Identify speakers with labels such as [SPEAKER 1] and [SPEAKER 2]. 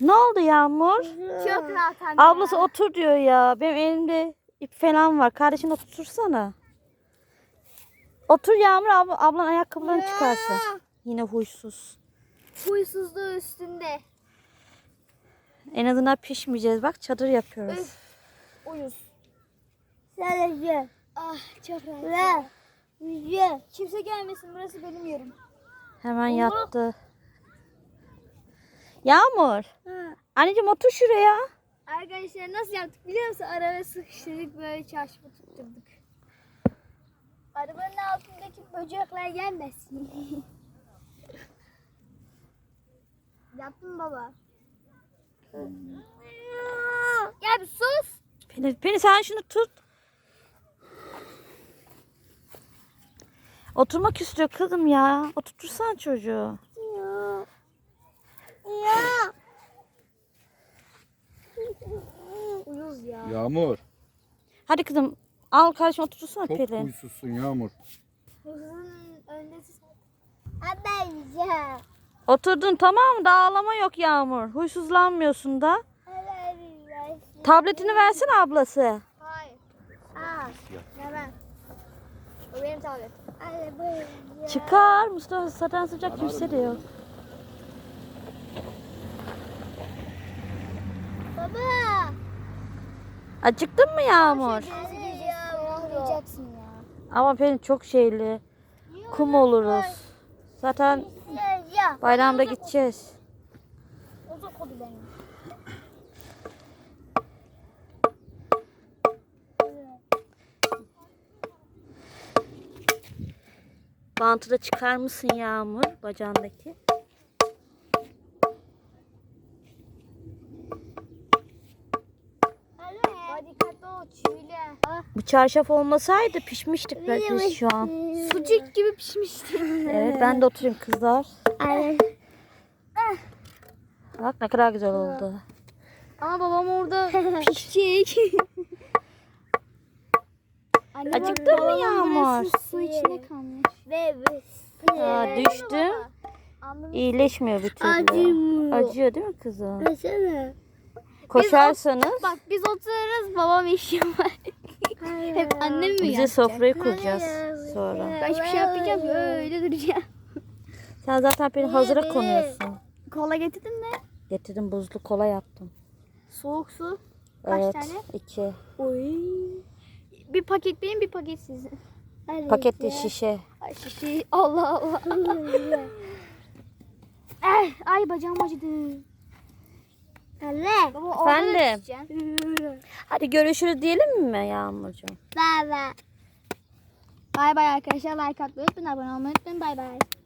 [SPEAKER 1] Ne oldu Yağmur?
[SPEAKER 2] Çok rahat anne.
[SPEAKER 1] Ablası otur diyor ya. Benim elimde ip falan var. Kardeşin oturtursana. Otur Yağmur, ablan ayakkabılarını çıkarsın. Yine huysuz.
[SPEAKER 2] Huysuzluğu üstünde.
[SPEAKER 1] En azından pişmeyeceğiz. Bak çadır yapıyoruz.
[SPEAKER 2] Üf. Uyuz. Sadece. Ah çok rahat. Kimse gelmesin, burası benim yerim.
[SPEAKER 1] Hemen yattı. Yağmur.
[SPEAKER 2] Ha.
[SPEAKER 1] Anneciğim otur şuraya.
[SPEAKER 2] Arkadaşlar nasıl yaptık biliyor musun? Araba sıkıştırdık, böyle çarşıma tutturduk. Arabanın altındaki böcekler gelmesin. Yaptın baba. Ya bir sus.
[SPEAKER 1] Beni sen şunu tut. Oturmak istiyor kızım ya. Oturtursan çocuğu.
[SPEAKER 2] Ya. Uyuz ya.
[SPEAKER 3] Yağmur.
[SPEAKER 1] Hadi kızım al kardeşim oturtursana
[SPEAKER 3] Çok
[SPEAKER 1] Pelin.
[SPEAKER 3] huysuzsun Yağmur.
[SPEAKER 2] Hızın öndesi. Hadi yiyeceğim.
[SPEAKER 1] Oturdun tamam mı? Daha ağlama yok Yağmur. Huysuzlanmıyorsun da. Tabletini versene ablası.
[SPEAKER 2] Hayır. Aa. Ya ben. O benim tabletim.
[SPEAKER 1] Çıkar Mustafa, zaten sıcak kimse de yok.
[SPEAKER 2] Baba.
[SPEAKER 1] Acıktın mı Yağmur?
[SPEAKER 2] Ağlayacaksın ya.
[SPEAKER 1] Ama Pelin çok şeyli. Kum oluruz. Zaten bayramda gideceğiz.
[SPEAKER 2] Uzak oldu benim.
[SPEAKER 1] Bantı da çıkar mısın Yağmur bacağındaki?
[SPEAKER 2] Hadi dikkatli ol çiğle.
[SPEAKER 1] Bu çarşaf olmasaydı pişmiştik biz şu an.
[SPEAKER 2] Sucuk gibi pişmişti.
[SPEAKER 1] Evet ben de oturayım kızlar.
[SPEAKER 2] Aynen.
[SPEAKER 1] Bak ne kadar güzel oldu.
[SPEAKER 2] Ama babam orada pişecek.
[SPEAKER 1] Acıktın mı Yağmur?
[SPEAKER 2] Su içine kalmış. Ve
[SPEAKER 1] Aa, düştüm. İyileşmiyor bir türlü. Acıyor değil mi kızım?
[SPEAKER 2] Mesela.
[SPEAKER 1] Koşarsanız
[SPEAKER 2] Bak biz otururuz, babam işi var. Hep annem mi
[SPEAKER 1] bize
[SPEAKER 2] yapacak?
[SPEAKER 1] sofrayı kuracağız sonra.
[SPEAKER 2] Ben hiçbir şey yapmayacağım, öyle duracağım.
[SPEAKER 1] Sen zaten beni hazıra konuyorsun.
[SPEAKER 2] Kola getirdin mi?
[SPEAKER 1] Getirdim, buzlu kola yaptım.
[SPEAKER 2] Soğuk su. Kaç
[SPEAKER 1] Evet,
[SPEAKER 2] tane?
[SPEAKER 1] 2.
[SPEAKER 2] Oy. Bir paket benim, bir paket sizin.
[SPEAKER 1] Paketli şişe.
[SPEAKER 2] Ay şişi. Allah Allah. Ay bacağım acıdı. Anne. Baba,
[SPEAKER 1] Efendim? Hadi görüşürüz diyelim mi Yağmurcuğum?
[SPEAKER 2] Bay bay. Bay bay arkadaşlar. Like atmayı unutmayın. Abone olmayı unutmayın. Bay bay.